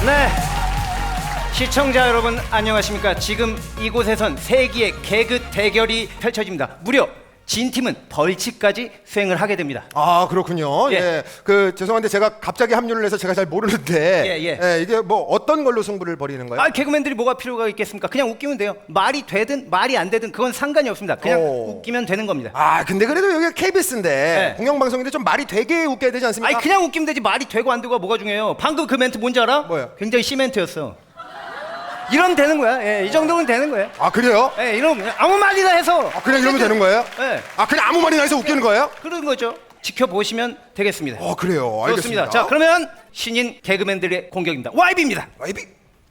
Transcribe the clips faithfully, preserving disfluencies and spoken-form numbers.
네, 시청자 여러분 안녕하십니까. 지금 이곳에선 세기의 개그 대결이 펼쳐집니다. 무려 진 팀은 벌칙까지 수행을 하게 됩니다. 아 그렇군요. 예. 예. 그 죄송한데 제가 갑자기 합류를 해서 제가 잘 모르는데 예, 예. 예, 이게 뭐 어떤 걸로 승부를 벌이는 거예요? 아, 개그맨들이 뭐가 필요가 있겠습니까? 그냥 웃기면 돼요. 말이 되든 말이 안 되든 그건 상관이 없습니다. 그냥 오. 웃기면 되는 겁니다. 아 근데 그래도 여기가 케이비에스인데 네. 공영방송인데 좀 말이 되게 웃겨야 되지 않습니까? 아니 그냥 웃기면 되지 말이 되고 안 되고가 뭐가 중요해요. 방금 그 멘트 뭔지 알아? 뭐요? 굉장히 시멘트였어. 이러면 되는 거야. 예, 이 정도면 되는 거예요. 아 그래요? 예, 이러면 아무 말이나 해서. 아 그냥 이러면 되는 거예요? 예, 아 그냥 아무 말이나 해서 웃기는 거예요? 그런 거죠. 지켜보시면 되겠습니다. 어 그래요. 좋습니다. 알겠습니다. 자, 그러면 신인 개그맨들의 공격입니다. 와이비입니다. 와이비.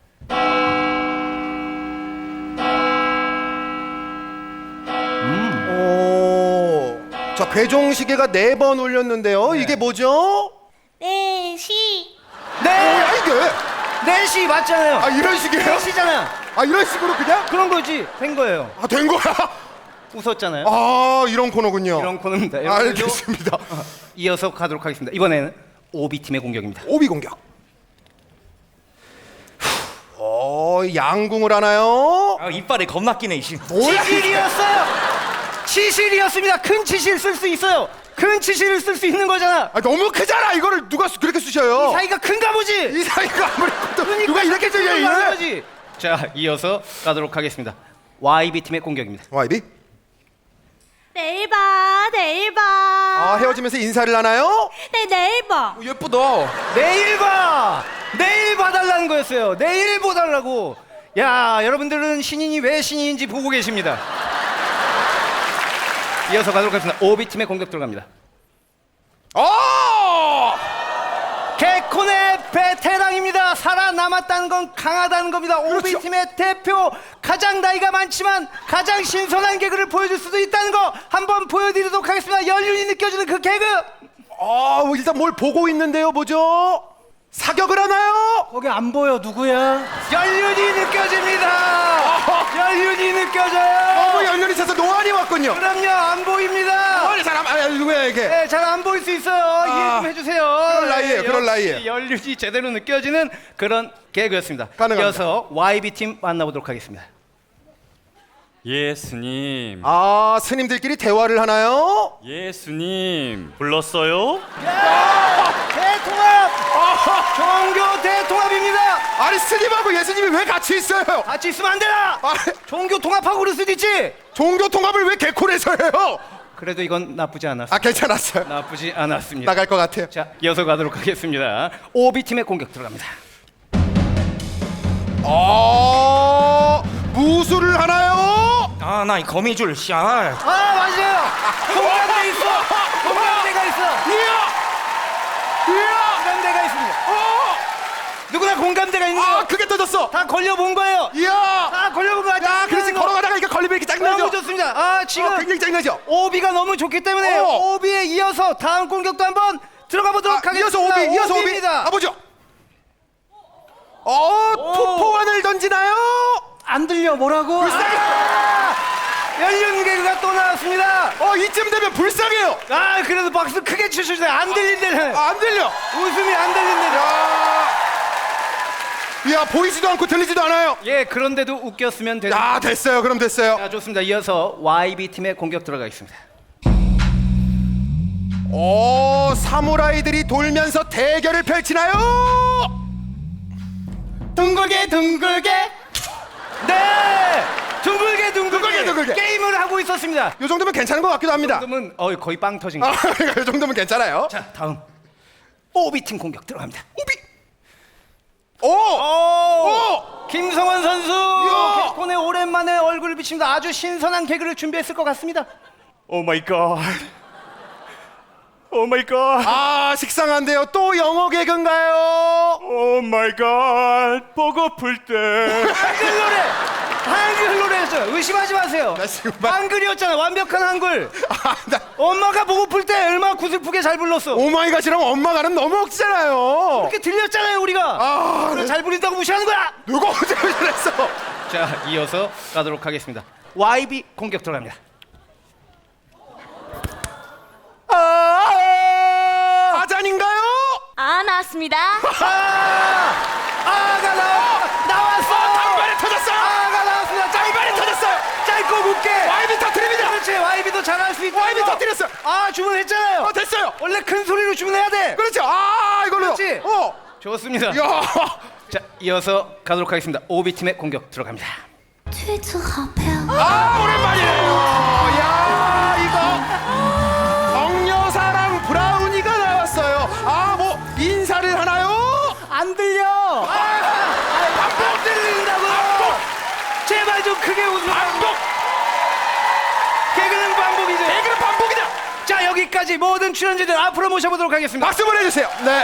음. 오. 자 괴종시계가 네 번 울렸는데요. 네. 이게 뭐죠? 네, 시. 네, 뭐야 이게? 넷이 맞잖아요. 아 이런 식이에요? 넷이잖아. 아 이런 식으로 그냥? 그런 거지. 된 거예요. 아 된 거야? 웃었잖아요. 아 이런 코너군요. 이런 코너입니다. 여러분들도 알겠습니다. 이어서 가도록 하겠습니다. 이번에는 오비 팀의 공격입니다. 오비 공격. 어 양궁을 하나요? 아, 이빨에 겁나 끼네 이씨. 뭐야? 치실이었어요. 치실이었습니다. 큰 치실 쓸 수 있어요. 큰 치실을 쓸 수 있는 거잖아. 아, 너무 크잖아. 이거를 누가 수- 그렇게 쓰셔요? 사이가 큰가 보지. 이 사이가 아무리 커도 그러니까 누가 이렇게 큰 써요? 걸로 하는 이래? 거지. 자, 이어서 가도록 하겠습니다. 와이비 팀의 공격입니다. 와이비? 내일 봐, 내일 봐. 아 헤어지면서 인사를 하나요? 네, 내일 봐. 어, 예쁘다. 내일 봐. 내일 봐달라는 거였어요. 내일 보달라고. 야, 여러분들은 신인이 왜 신인인지 보고 계십니다. 이어서 가도록 하겠습니다. 오비 팀의 공격 들어갑니다. 어! 개콘의 베테랑입니다. 살아남았다는 건 강하다는 겁니다. 오비 그렇죠. 팀의 대표, 가장 나이가 많지만 가장 신선한 개그를 보여줄 수도 있다는 거 한번 보여드리도록 하겠습니다. 연륜이 느껴지는 그 개그. 아 일단 뭘 보고 있는데요. 뭐죠? 사격을 하나요? 거기 안 보여. 누구야? 연륜이 느껴집니다. 연륜이 느껴져요. 너무 연륜이 있어서 노안이 왔군요. 그럼요, 안 보입니다. 노안이 사람 아 누구야 이게? 네, 잘 안 보일 수 있어요. 이해 좀 해주세요. 그럴 나이에요, 네, 그럴 역시 나이에요. 연륜이 제대로 느껴지는 그런 개그였습니다. 가능합니다. 이어서 와이비 팀 만나보도록 하겠습니다. 예수님, 아 스님들끼리 대화를 하나요? 예수님 불렀어요? 대통합! 종교 대통합입니다. 아니 스님하고 예수님이 왜 같이 있어요? 같이 있으면 안 되나? 아, 종교 통합하고 그럴 수도 있지. 종교 통합을 왜 개콘에서 해요? 그래도 이건 나쁘지 않았어. 아 괜찮았어요. 나쁘지 않았습니다. 나갈 것 같아요. 자, 이어서 가도록 하겠습니다. 오비 팀의 공격 들어갑니다. 어 무술을 하나요? 아, 나 이 거미줄 씨. 아, 아, 맞아요. 공감대 있어. 공감대가 있어. 이야 이야 공감대가 있습니다. 어! 누구나 공감대가 있는 아 거. 그게 터졌어. 다 걸려본 거예요. 이야 다 걸려본 거야. 야 그렇지 걸어가다가 이거 걸리면 이렇게 너무 짱나죠. 좋습니다. 아, 지금 어, 굉장히 짱나죠. 오비가 너무 좋기 때문에 어. 오비에 이어서 다음 공격도 한번 들어가 보도록 아, 하겠습니다. 이어서 오비 이어서 오비 오비입니다. 가보죠. 어 투포환을 던지나요? 안 들려. 뭐라고? 불쌍해. 아, 연륜 개그가 또 나왔습니다. 어 이쯤 되면 불쌍해요. 아, 그래도 박수 크게 치셔주세요. 안 들린대요. 아, 안 들려. 웃음이 안 들린대요. 야, 야 보이지도 않고 들리지도 않아요. 예, 그런데도 웃겼으면 되는. 야 됐어요. 그럼 됐어요. 자, 좋습니다. 이어서 와이비 팀의 공격 들어가겠습니다. 오 사무라이들이 돌면서 대결을 펼치나요? 둥글게 둥글게. 네, 둥글게 둥글게, 둥글게, 둥글게. 게임을 하고 있었습니다. 이 정도면 괜찮은 것 같기도 합니다. 그러면 어, 거의 빵 터진 거. 아, 이 정도면 괜찮아요. 자, 다음 오비 팀 공격 들어갑니다. 오비. 오. 오, 오. 김성원 선수 이야. 개콘에 오랜만에 얼굴을 비칩니다. 아주 신선한 개그를 준비했을 것 같습니다. 오 마이 갓. 오 마이 갓. 아 식상한데요. 또 영어 개그인가요? 오 마이 갓. 보고플 때. 한글 노래, 한글 노래였어요. 의심하지 마세요. 나 지금 막- 한글이었잖아. 완벽한 한글. 아, 나 엄마가 보고플 때 얼마나 구슬프게 잘 불렀어. 오마이갓이랑 엄마가는 너무 억지잖아요. 이렇게 들렸잖아요, 우리가. 아, 그걸 잘 부린다고 무시하는 거야. 누가 어제 그랬어? 자, 이어서 가도록 하겠습니다. 와이비 공격 들어갑니다. 아, 아잔인가요? 아, 나왔습니다. 아, 아가 나와 나왔어. 단발에 터졌어요. 아가 나왔습니다. 단발에 터졌어요. 짧고 굵게. 와이비 터뜨립니다. 그렇지. 와이비도 잘할 수 있다. 와이비 터뜨렸어요. 아 주문했잖아요. 어, 됐어요. 원래 큰 소리로 주문해야 돼. 그렇죠. 아, 이걸로요. 그렇지. 어. 좋습니다. 야. 자 이어서 가도록 하겠습니다. 오비 팀의 공격 들어갑니다. 아, 오랜만이에요. 야, 이거 정여사랑 브라우니가 나왔어요. 아, 뭐 인사를 하나요? 안 들려. 아, 반복 들린다고. 제발 좀 크게 웃으라. 반복. 개그는 반복이죠. 개그는 반복이다. 자 여기까지 모든 출연진들 앞으로 모셔보도록 하겠습니다. 박수 보내주세요. 네.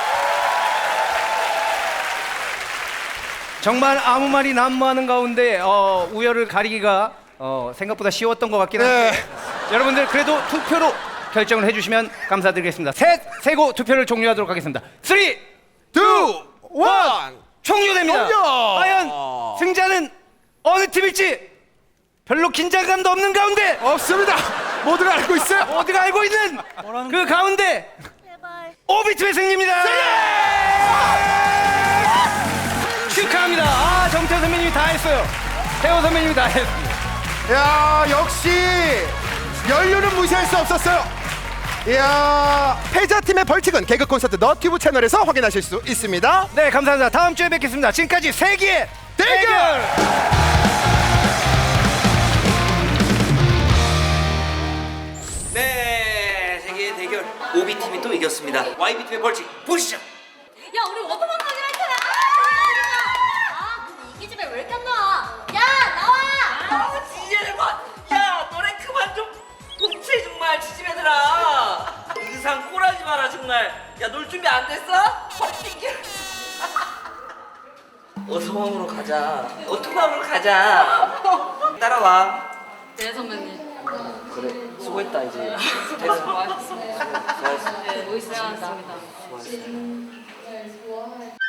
정말 아무 말이 난무하는 가운데 어, 우열을 가리기가 어, 생각보다 쉬웠던 것 같긴 한데 네. 여러분들 그래도 투표로 결정을 해주시면 감사드리겠습니다. 셋 세고 투표를 종료하도록 하겠습니다. 쓰리 투, 원. 종료됩니다. 종료! 과연 승자는 어느 팀일지 별로 긴장감도 없는 가운데 없습니다. 모두가 알고 있어요. 어디가 알고 있는 그 가운데 제발. 오비팀의 승리입니다. 축하합니다. 아 정태호 선배님이 다 했어요. 태호 선배님이 다 했습니다. 야, 역시 연륜은 무시할 수 없었어요. 이야, 패자팀의 벌칙은 개그 콘서트 너튜브 채널에서 확인하실 수 있습니다. 네 감사합니다. 다음 주에 뵙겠습니다. 지금까지 세기의 대결! 네, 세계의 대결 오비 팀이 또 이겼습니다. 와이비 팀의 벌칙 보시죠. 야 우리 워터만 가기로 했잖아. 아 근데 이기 집에 왜 이렇게 안 나와? 야 나와. 아우 지제들 봐. 야 너네 그만 좀 복채 정말 지지매들아. 의상 꼬라지 마라 정말. 야 놀 준비 안 됐어? 헛띵겨. 어서왕으로 가자. 어토방으로 가자. 따라와. 네 선배님. 그래 수고했다 이제. 됐어. 수고하셨습니다. 수고했어. 네, 멋있으셨습니다. 수고했어.